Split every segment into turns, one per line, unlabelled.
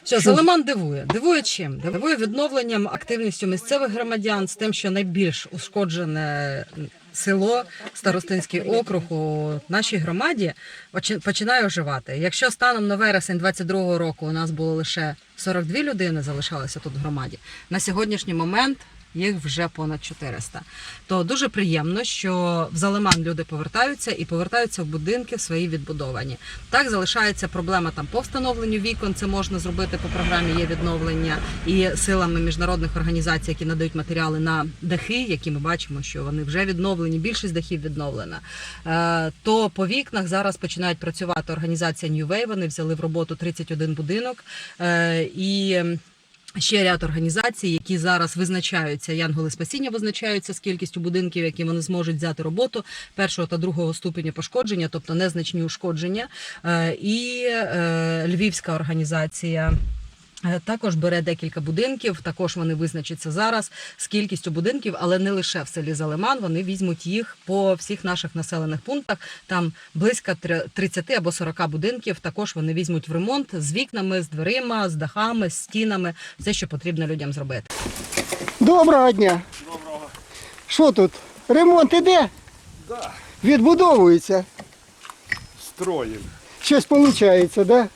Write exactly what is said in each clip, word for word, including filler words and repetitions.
Що, Залиман дивує. Дивує чим? Дивує відновленням, активністю місцевих громадян, з тим, що найбільш ушкоджене село, Старостинський округ у нашій громаді починає оживати. Якщо станом на вересень двадцять другого року у нас було лише сорок дві людини залишалися тут в громаді, на сьогоднішній момент їх вже понад чотириста. То дуже приємно, що в Залиман люди повертаються і повертаються в будинки в свої відбудовані. Так, залишається проблема там по встановленню вікон, це можна зробити по програмі «Є відновлення» і силами міжнародних організацій, які надають матеріали на дахи, які ми бачимо, що вони вже відновлені, більшість дахів відновлена. То по вікнах зараз починають працювати організація New Way, вони взяли в роботу тридцять один будинок і ще ряд організацій, які зараз визначаються, Янголи Спасіння визначаються з кількістю будинків, які вони зможуть взяти роботу першого та другого ступеня пошкодження, тобто незначні ушкодження. І Львівська організація також бере декілька будинків, також вони визначаться зараз з кількістю будинків, але не лише в селі Залиман, вони візьмуть їх по всіх наших населених пунктах, там близько тридцяти або сорока будинків, також вони візьмуть в ремонт з вікнами, з дверима, з дахами, з стінами, все, що потрібно людям зробити.
Доброго дня!
Доброго.
Що тут? Ремонт іде?
Да.
Відбудовується?
Строїм.
Щось виходить, так? Да?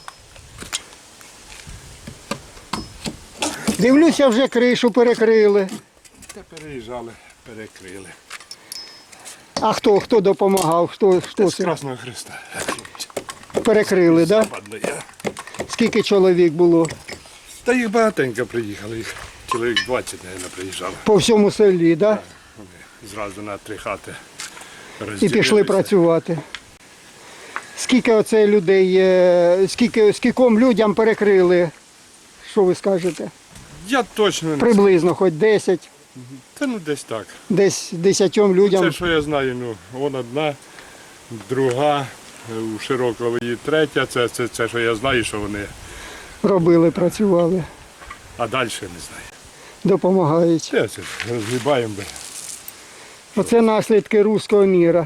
Дивлюся, вже кришу перекрили.
Та переїжджали, перекрили.
А хто, хто допомагав? Хто, хто
З
це?
Красного Христа.
Перекрили, так? Да?
Падли я.
Скільки чоловік було?
Та їх багатенько приїхали, їх чоловік двадцять, мабуть, приїжджали.
По всьому селі, так? Да?
Вони зразу на три хати
І
розділилися.
пішли працювати. Скільки оце людей, е, скільки, скільком людям перекрили? Що ви скажете?
Я точно не знаю.
Приблизно, хоч десять,
Та ну десь так.
десь десятьом людям.
Це, що я знаю, ну, вон одна, друга, у Широкової третя, це, це, це, що я знаю, що вони,
Робили, працювали,
а далі не знаю.
допомагають.
Це, це розгрібаємо. би.
Оце наслідки руського міра.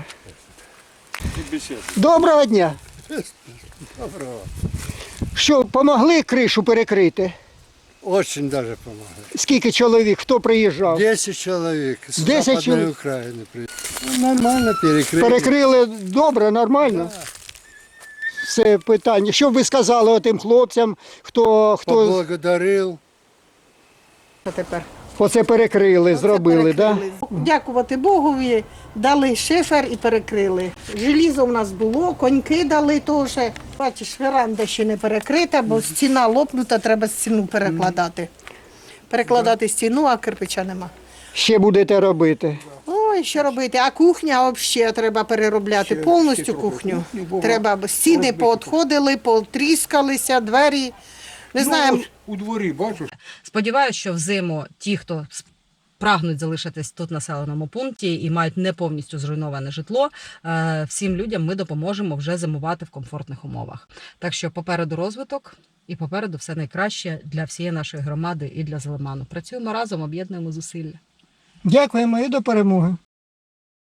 Доброго дня!
Доброго.
Що, помогли кришу перекрити?
Очень даже помогает.
Скільки чоловік, хто приїжджав?
Десять человек с
Десять
Западной
человек.
Украины приехали. Ну, нормально перекрыли.
Перекрили добре, нормально? Це питання. Що б ви сказали тим хлопцям, хто, хто
Поблагодарил.
А тепер
оце перекрили, зробили, так? Да?
перекрили. Дякувати Богові, дали шифер і перекрили. Желізо в нас було, коньки дали теж. Бачиш, веранда ще не перекрита, бо стіна лопнута, треба стіну перекладати. Перекладати стіну, а кирпича нема.
Ще будете робити.
Ой, що робити? А кухня взагалі треба переробляти, повністю кухню. Треба, бо стіни поотходили, потріскалися, двері. Не знаю.
У дворі, бачиш?
Сподіваюся, що взиму ті, хто прагнуть залишитись тут в населеному пункті і мають не повністю зруйноване житло, всім людям ми допоможемо вже зимувати в комфортних умовах. Так що попереду розвиток і попереду все найкраще для всієї нашої громади і для Залиману. Працюємо разом, об'єднуємо зусилля.
Дякуємо і до перемоги.